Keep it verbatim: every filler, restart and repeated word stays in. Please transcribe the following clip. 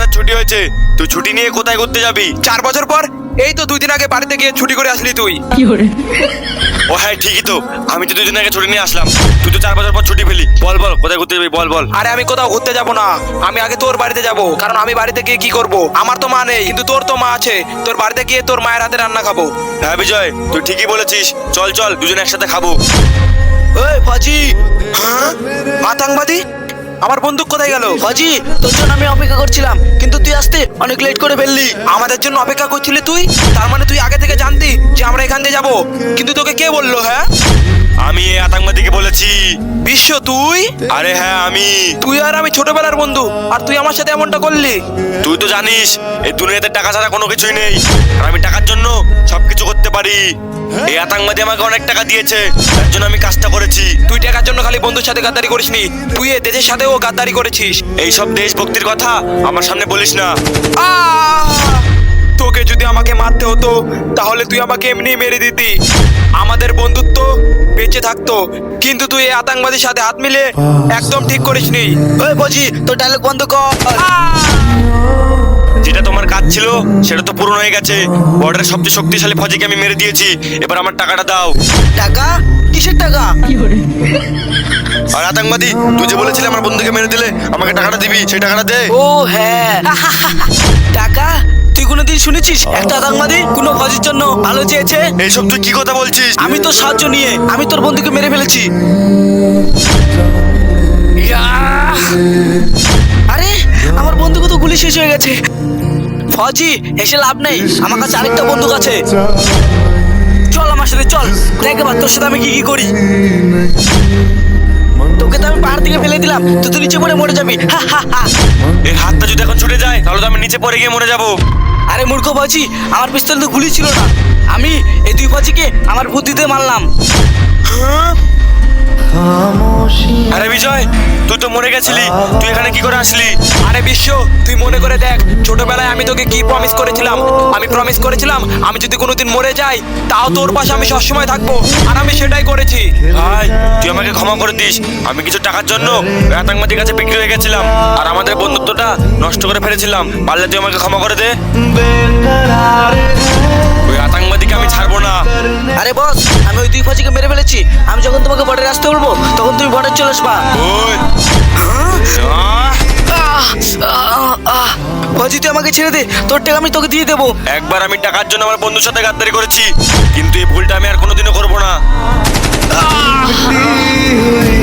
বছরের ছুটি হয়েছে, তুই ছুটি নিয়ে কোথায় ঘুরতে যাবি? চার বছর পর? এই তো দুই দিন আগে বাড়িতে গিয়ে ছুটি করে আসলি তুই। ও হ্যাঁ ঠিকই তো, আমি তো দুই দিন আগে ছুটি নিয়ে আসলাম, তুই তো চার বছর পর ছুটি পেলি। বল বল কোথায় ঘুরতে যাবি, বল বল। আরে আমি কোথাও ঘুরতে যাব না, আমি আগে তোর বাড়িতে যাব, কারণ আমি বাড়িতে গিয়ে কি করব? আমার তো মা নেই, কিন্তু তোর তো মা আছে। তোর বাড়িতে গিয়ে তোর মায়ের হাতে রান্না খাবো। হ্যাঁ বিজয়, তুই ঠিকই বলেছিস, চল চল দুজন একসাথে খাবো। এই ফাজি, হ্যাঁ আতঙ্কবাদী, আমার বন্দুক কোথায় গেল? ফাজি, তোর জন্য আমি অপেক্ষা করছিলাম, কিন্তু তুই আসতে অনেক লেট করে ফেললি। আমাদের জন্য অপেক্ষা করছিলি তুই? তার মানে তুই আগে থেকে জানতি যে আমরা এখান দিয়ে যাবো, কিন্তু তোকে কে বললো? হ্যাঁ আমি এই আতঙ্কবাদীকে বলেছি। বিশ্ব তুই? আরে হ্যাঁ আমি। তুই আর আমি ছোটবেলার বন্ধু, আর তুই আমার সাথে এমনটা করলি? তুই তো জানিস এই দুনিয়াতে টাকা ছাড়া কোনো কিছুই নেই, আর আমি টাকার জন্য সবকিছু করতে পারি। এই আতঙ্কবাদী আমাকে অনেক টাকা দিয়েছে, তার জন্য আমি কাজটা করেছি। তুই টাকার জন্য খালি বন্ধুর সাথে গাদ্দারি করিসনি, তুই এ দেশের সাথেও গাদ্দারি করেছিস। এইসব দেশভক্তির কথা আমার সামনে বলিস না। আহ! তোকে যদি আমাকে মারতে হতো তাহলে তুই আমাকে এমনি মেরে দিতি, আমাদের বন্ধুত্ব বেঁচে থাকতো। কিন্তু তুই এই আতঙ্কবাদীর সাথে হাত মিলে একদম ঠিক করিসনি। ওই ফাজি, তোর ডায়লগ বন্ধ কর। যেটা তোমার কাজ ছিল সেটা তো পূরণ হয়ে গেছে। বর্ডারের সবচেয়ে শক্তিশালী ফৌজিকে আমি মেরে দিয়েছি, এবার আমার টাকাটা দাও। টাকা? কিসের টাকা? আর আতঙ্কবাদী, তুই যে বলেছিলি আমার বন্ধুকে মেরে দিলে আমাকে টাকাটা দিবি, সেই টাকাটা দে। ও হ্যাঁ, টাকা? তুই কোনোদিন শুনেছিস একটা আতঙ্কবাদী কোনো ফাজির জন্য ভালো চেয়েছে? এইসব তুই কি কথা বলছিস? আমি তোর সাহায্য নিয়ে আমি তোর বন্ধুকে মেরে ফেলেছি। ইয়াহ! আরে আমার বন্ধুকে তো গুলি শেষ হয়ে গেছে। ফজি, এসে লাভ নেই, আমার কাছে আরেকটা বন্দুক আছে। চল আমার সাথে চল, দেখ এবার তোর সাথে আমি কি কি করি। তোকে তো আমি পাহাড় থেকে ফেলে দিলাম, তুই তো নিচে পড়ে মরে যাবি। হা হা হা। এর হাতটা যদি এখন ছুটে যায় তাহলে তো আমি নিচে পড়ে গিয়ে মরে যাবো। আরে মূর্খ ফাজি, আমার পিস্তলে তো গুলি ছিল না, আমি এই দুই ফাজিকে আমার বুদ্ধিতে মারলাম। আরে বিজয়, তুই তো মরে গেছিলি, তুই এখানে কি করে আসলি? আরে বিশ্ব, তুই মনে করে দেখ ছোটবেলায় আমি তোকে কি প্রমিস করেছিলাম। আমি প্রমিস করেছিলাম আমি যদি কোনোদিন মরে যাই তাও তোর পাশে আমি সবসময় থাকবো, আর আমি সেটাই করেছি। ভাই তুই আমাকে ক্ষমা করে দিস, আমি কিছু টাকার জন্য ওই আতঙ্কবাদীর কাছে বিক্রি হয়ে গেছিলাম, আর আমাদের বন্ধুত্বটা নষ্ট করে ফেলেছিলাম। পারলে তুই আমাকে ক্ষমা করে দে। ওই আতঙ্কবাদীকে আমি ছাড়বো না। আরে বস, আমি ওই দুই ফাজিকে মেরে ফেলেছি, আমি যখন তোমাকে বর্ডারে আসতে বলবো তখন তুমি বর্ডার চলে আসবা। ওই আহ! ফাজি, তুই আমাকে ছেড়ে দে, তোর টাকা আমি তোকে দিয়ে দেবো। একবার আমি টাকার জন্য আমার বন্ধুর সাথে গাদ্দারি করেছি, কিন্তু এই ভুলটা আমি আর কোনোদিনও করবো না।